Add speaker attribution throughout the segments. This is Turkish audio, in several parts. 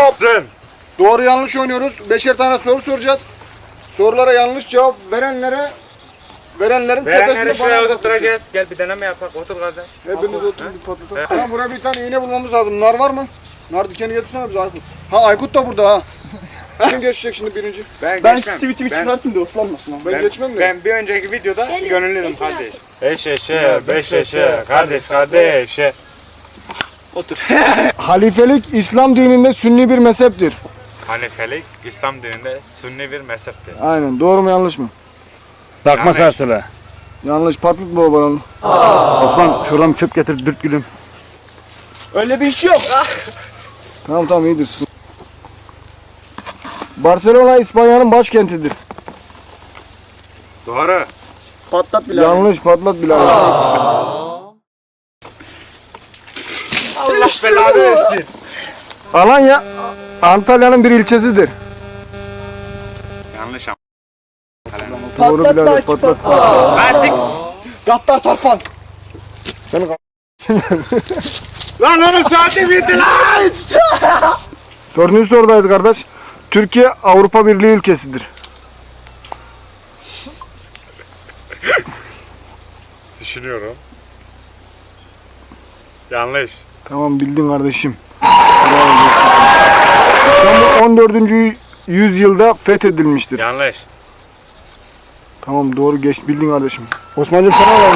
Speaker 1: Stop. Doğru yanlış oynuyoruz. 5'er tane soru soracağız. Sorulara yanlış cevap verenlerin tepesinde
Speaker 2: şuraya oturtacağız. Gel bir deneme yapak. Otur kardeş.
Speaker 1: Hepiniz oturun bir patlatalım. Tamam, buraya bir tane iğne bulmamız lazım. Nar var mı? Nar dikeni getirsene bize Aykut. Ha, Aykut da burada ha. Kim geçecek şimdi birinci?
Speaker 2: Ben
Speaker 3: tweetimi çıkartayım da ıslanmasın.
Speaker 1: Ben geçmem de.
Speaker 2: Ben bir önceki videoda gönüllüydüm kardeş. Beş eşe, kardeş.
Speaker 3: Otur.
Speaker 1: Halifelik İslam dininde sünni bir mezheptir.
Speaker 2: Hanifelik İslam dininde sünni bir mezheptir.
Speaker 1: Aynen. Doğru mu yanlış mı?
Speaker 4: Bakma sarsıla.
Speaker 1: Yanlış. Patlat bu balonu.
Speaker 4: Osman şuradan çöp getir dürt gülüm.
Speaker 3: Öyle bir iş yok.
Speaker 1: Tamam iyidir. Barcelona İspanya'nın başkentidir.
Speaker 2: Doğru.
Speaker 3: Patlat bile.
Speaker 1: Yanlış. Patlat bile.
Speaker 2: Allah belanı versin.
Speaker 1: Alanya Antalya'nın bir ilçesidir.
Speaker 2: Yanlış ama.
Speaker 1: Doğru
Speaker 3: Patlat
Speaker 1: birader,
Speaker 3: belki
Speaker 1: patlat.
Speaker 2: Lastik.
Speaker 3: Gattar Tarpan.
Speaker 1: Seni
Speaker 2: Lan oğlum saati bitti lan.
Speaker 1: Dördüncü sorudayız kardeş. Türkiye Avrupa Birliği ülkesidir.
Speaker 2: Düşünüyorum. Yanlış.
Speaker 1: Tamam bildin kardeşim. İstanbul 14. yüzyılda fethedilmiştir.
Speaker 2: Yanlış.
Speaker 1: Tamam doğru bildin kardeşim. Osman'cığım sana var mı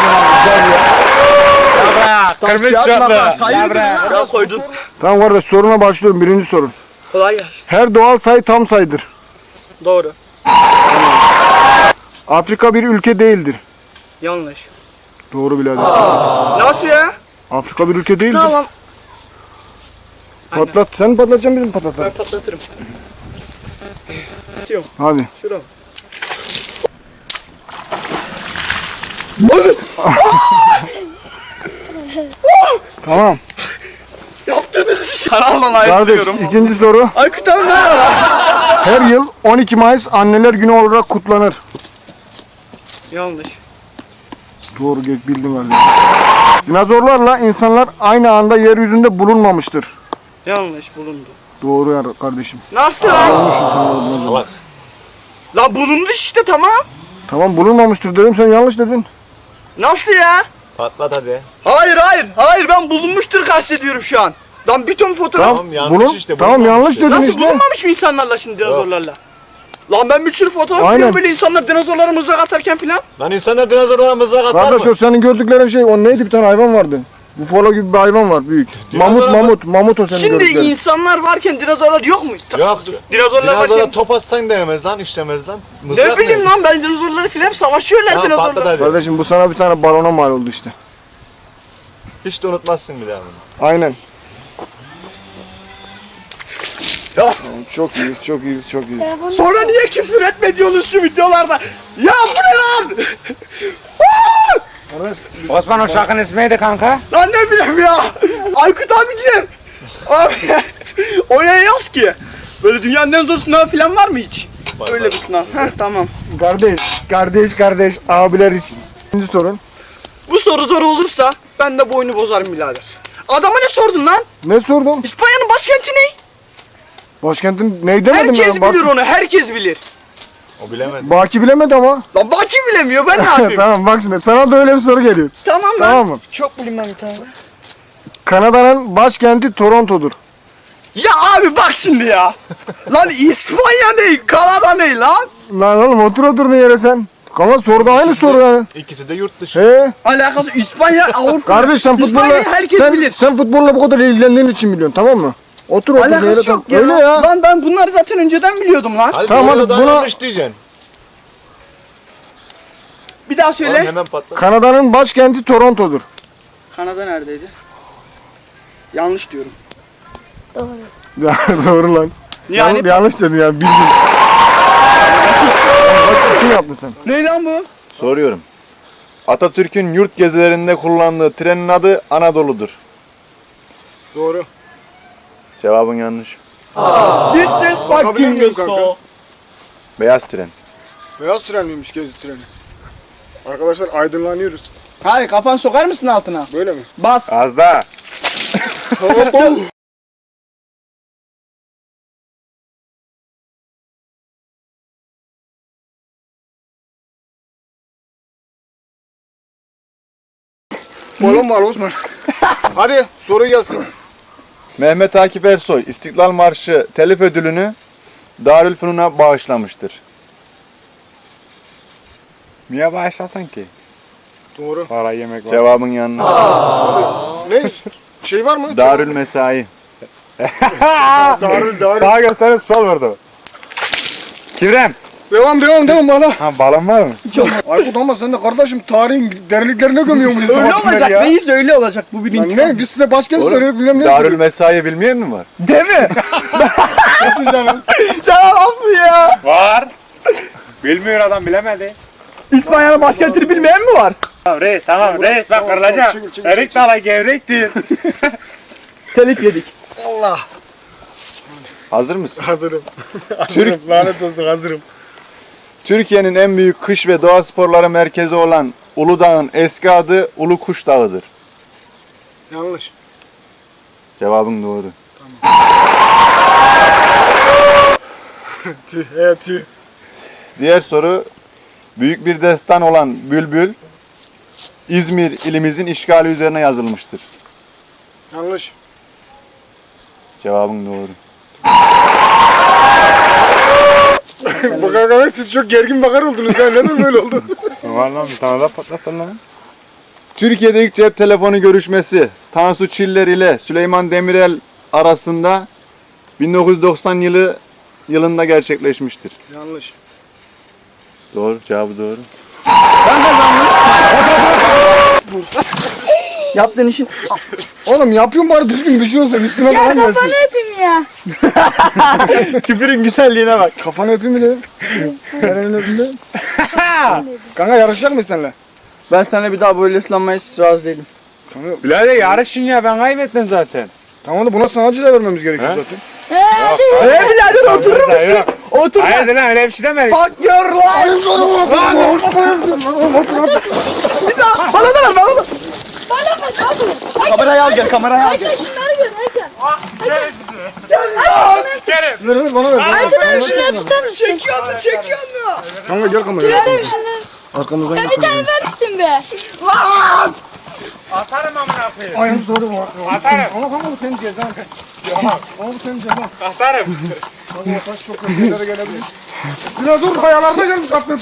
Speaker 1: ya?
Speaker 2: Kırmızı şortlu.
Speaker 3: Sayıyordun koydun.
Speaker 1: Tamam kardeş soruna başlıyorum. Birinci sorun.
Speaker 3: Kolay gelsin.
Speaker 1: Her doğal sayı tam sayıdır.
Speaker 3: Doğru.
Speaker 1: Afrika bir ülke değildir.
Speaker 3: Yanlış.
Speaker 1: Doğru birader.
Speaker 3: Nasıl ya?
Speaker 1: Afrika bir ülke değildir.
Speaker 3: Tamam.
Speaker 1: Patlat. Sen mi patlatacaksın bizim patlatalım.
Speaker 3: Ben patlatırım.
Speaker 1: Hadi.
Speaker 3: Şurada.
Speaker 1: Tamam.
Speaker 3: Yaptığınız işi. Kanaldan
Speaker 1: Kardeş
Speaker 3: ayrılıyorum.
Speaker 1: ikinci soru.
Speaker 3: Aykut abi ne var?
Speaker 1: Her yıl 12 Mayıs Anneler Günü olarak kutlanır.
Speaker 3: Yanlış.
Speaker 1: Doğru bildin kardeşim. Dinozorlarla insanlar aynı anda yeryüzünde bulunmamıştır.
Speaker 3: Yanlış bulundu.
Speaker 1: Doğru ya kardeşim.
Speaker 3: Nasıl lan? Lan bulundu işte tamam.
Speaker 1: Tamam bulunmamıştır dedim sen yanlış dedin.
Speaker 3: Nasıl ya?
Speaker 5: Patlat hadi.
Speaker 3: Hayır ben bulunmuştur kastediyorum şu an. Lan bir ton fotoğraf.
Speaker 5: Tamam, yanlış işte,
Speaker 1: Tamam
Speaker 5: bulunmamış
Speaker 1: yanlış
Speaker 5: işte.
Speaker 1: dedin
Speaker 3: Nasıl
Speaker 1: işte.
Speaker 3: bulunmamış mı insanlarla şimdi dinozorlarla? Lan ben bir sürü fotoğraf
Speaker 1: Aynen.
Speaker 3: biliyorum böyle insanlar dinozorlara mızrak atarken filan.
Speaker 5: Lan insanlar dinozorlara mızrak atar
Speaker 1: Kardeş
Speaker 5: mı?
Speaker 1: o senin gördüklerin şey o neydi bir tane hayvan vardı. Bufalo gibi bir hayvan var büyük. Mamut o senin
Speaker 3: Şimdi
Speaker 1: gördüklerin.
Speaker 3: insanlar varken dinozorlar yok mu?
Speaker 5: Yok.
Speaker 3: Dinozorlar
Speaker 5: Dinozora
Speaker 3: varken
Speaker 5: top atsan değmez lan, işlemez lan. Mızrak
Speaker 3: ne bileyim lan ben dinozorları filan hep savaşıyorlar
Speaker 5: Tamam, patlat
Speaker 3: dinozorlar.
Speaker 5: hadi.
Speaker 1: Kardeşim bu sana bir tane balona mal oldu işte.
Speaker 5: Hiç de unutmazsın bir daha bunu.
Speaker 1: Aynen.
Speaker 3: Ya.
Speaker 1: Çok iyi.
Speaker 3: Sonra niye küfür etme diyorsunuz şu videolarda? Ya bu ne lan?
Speaker 2: Osman o şarkının ismi neydi kanka?
Speaker 3: Lan ne bileyim ya. Aykut abicim. Abi oraya yaz ki. Böyle dünyanın en zor sınavı falan var mı hiç? Öyle bir sınav. Heh, tamam.
Speaker 1: Kardeş abiler için. İkinci sorun.
Speaker 3: Bu soru zor olursa ben de boynu bozarım birader. Adama ne sordun lan?
Speaker 1: Ne sordum?
Speaker 3: İspanya'nın başkenti ne?
Speaker 1: Başkentin ne demedim
Speaker 3: Herkes
Speaker 1: ben?
Speaker 3: bilir onu, herkes bilir.
Speaker 5: O bilemedi.
Speaker 1: Baki bilemedi ama.
Speaker 3: Lan Baki bilemiyor, ben ne yapayım?
Speaker 1: Tamam bak şimdi sana da öyle bir soru geliyor.
Speaker 3: Tamam lan.
Speaker 1: Tamam mı?
Speaker 3: Çok bilmem bir tane.
Speaker 1: Kanada'nın başkenti Toronto'dur.
Speaker 3: Ya abi bak şimdi ya. Lan İspanya ne? Kanada ne lan?
Speaker 1: Lan oğlum otur yere sen. Ama soruda aynı soru yani.
Speaker 5: İkisi de yurt dışı.
Speaker 1: He?
Speaker 3: Alakası İspanya, Avrupa.
Speaker 1: Kardeş sen futbolla
Speaker 3: İspanya'yı herkes bilir.
Speaker 1: sen futbolla bu kadar ilgilendiğin için biliyorsun tamam mı? Otur yere.
Speaker 3: Alakası yok ya.
Speaker 1: Öyle ya.
Speaker 3: Lan ben bunları zaten önceden biliyordum lan.
Speaker 5: Hadi
Speaker 1: Tamam,
Speaker 5: tamam,
Speaker 1: hadi
Speaker 5: hadi
Speaker 1: buna-
Speaker 5: yanlış diyeceksin.
Speaker 3: Bir daha
Speaker 5: Oğlum
Speaker 3: söyle.
Speaker 5: hemen patlat.
Speaker 1: Kanada'nın başkenti Toronto'dur.
Speaker 3: Kanada neredeydi? Yanlış diyorum.
Speaker 1: Ya doğru lan.
Speaker 3: Yani
Speaker 1: Yanlış dedin yani bildin. Bak kim yaptın sen?
Speaker 3: ne lan bu?
Speaker 5: Soruyorum. Atatürk'ün yurt gezilerinde kullandığı trenin adı Anadolu'dur.
Speaker 1: Doğru.
Speaker 5: Cevabın yanlış.
Speaker 3: This is
Speaker 1: Bakabilir miyim kanka?
Speaker 5: Beyaz tren.
Speaker 1: Beyaz tren miymiş gezi treni? Arkadaşlar aydınlanıyoruz.
Speaker 3: Hayır kafan sokar mısın altına?
Speaker 1: Böyle mi?
Speaker 3: Bas.
Speaker 5: Az daha.
Speaker 1: Balon var Osman. Hadi soru gelsin.
Speaker 5: Mehmet Akif Ersoy İstiklal Marşı telif ödülünü Darülfünun'a bağışlamıştır.
Speaker 2: Niye başlasın ki?
Speaker 1: Doğru.
Speaker 2: Para yemek var.
Speaker 5: Cevabın yanına.
Speaker 1: Ne? Şey var mı?
Speaker 5: Darül Mesai.
Speaker 1: Darül.
Speaker 2: Sağa gösterip sol vurdu. Kibrem.
Speaker 1: Devam bana.
Speaker 2: Ha balon var mı?
Speaker 1: Aykut ama sen de kardeşim tarihin derinliklerine gömüyorsun bizi.
Speaker 3: Öyle
Speaker 1: sabahtan beri
Speaker 3: olacak
Speaker 1: ya.
Speaker 3: reis, öyle olacak bu birinci.
Speaker 1: Lan ne? Biz size başkent
Speaker 5: Oğlum,
Speaker 1: soruyoruz bilmem ne.
Speaker 5: Darül Mesai bilmeyen mi var?
Speaker 3: Değil mi?
Speaker 1: Nasıl canım?
Speaker 3: Sen adamsın ya.
Speaker 2: Var. Bilmiyor adam bilemedi.
Speaker 3: İspanya'nın başkentini bilmeyen mi var?
Speaker 2: Tamam reis tamam reis bak kırılacak.
Speaker 1: çekil,
Speaker 2: Erik dala gevrektir.
Speaker 3: Telif yedik.
Speaker 1: Allah.
Speaker 5: Hazır mısın?
Speaker 1: Hazırım.
Speaker 5: Türk,
Speaker 2: Lanet olsun hazırım.
Speaker 5: Türkiye'nin en büyük kış ve doğa sporları merkezi olan Uludağ'ın eski adı Ulu Kuş Dağı'dır.
Speaker 1: Yanlış.
Speaker 5: Cevabın doğru.
Speaker 1: Tüh.
Speaker 5: Diğer soru, büyük bir destan olan Bülbül, İzmir ilimizin işgali üzerine yazılmıştır.
Speaker 1: Yanlış.
Speaker 5: Cevabın doğru.
Speaker 1: Bakar siz çok gergin bakar oldunuz ya. Neden böyle oldu?
Speaker 2: Vallahi bir tane daha patlattın lan.
Speaker 5: Türkiye'de ilk cep telefonu görüşmesi Tansu Çiller ile Süleyman Demirel arasında 1990 yılında gerçekleşmiştir.
Speaker 1: Yanlış.
Speaker 5: Doğru, cevabı doğru.
Speaker 3: Yaptığın işin...
Speaker 1: Oğlum yapıyorum bari düzgün bir şey olsa üstüme
Speaker 6: Ya
Speaker 1: falan gelsin.
Speaker 6: kafanı öpeyim ya.
Speaker 3: Küfürün güzelliğine bak.
Speaker 1: Kafanı öpeyim mi dedim? Nereni öpeyim dedim? Kanka yarışacak mıyız seninle?
Speaker 3: Ben sana bir daha böyle ıslanmaya hiç razı değilim.
Speaker 2: Birader yarışın ya ben kaybettim zaten.
Speaker 1: Tamam da buna sana ceza vermemiz gerekiyor zaten.
Speaker 3: Birader oturur musun?
Speaker 2: Yok.
Speaker 3: Otur.
Speaker 2: Hayır lan öyle bir şey demedik.
Speaker 3: Fuck your life. Bana da ver, bana da.
Speaker 6: Bana bak hadi.
Speaker 3: Kamerayı al gel, kamerayı al gel.
Speaker 6: Hakan şunları gör Hakan.
Speaker 1: Ver bana ver.
Speaker 6: Hakan abi şunları tutar mısın?
Speaker 3: Çekiyor mu?
Speaker 1: Kanka gel kameraya.
Speaker 6: Hakan abi şunları.
Speaker 1: Arkamızdan
Speaker 6: Ya
Speaker 1: gel
Speaker 6: bir tane
Speaker 1: kameraya.
Speaker 6: ver misin be?
Speaker 2: Atarım amına koyayım.
Speaker 1: Ayağım doğru mu?
Speaker 2: Atarım.
Speaker 1: Ama kanka bu senin cezan. Ama bu senin cezan.
Speaker 2: Atarım.
Speaker 1: Kanka taş çok kötü yerlere gelebilir. Biraz dur kayalarda gelmiş aklın.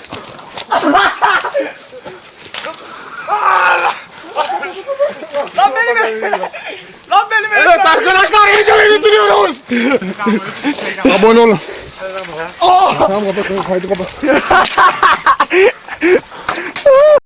Speaker 3: Lan benim
Speaker 1: Evet arkadaşlar videoyu bitiriyoruz. Abone olun. Tamam kapat kaydı kapat.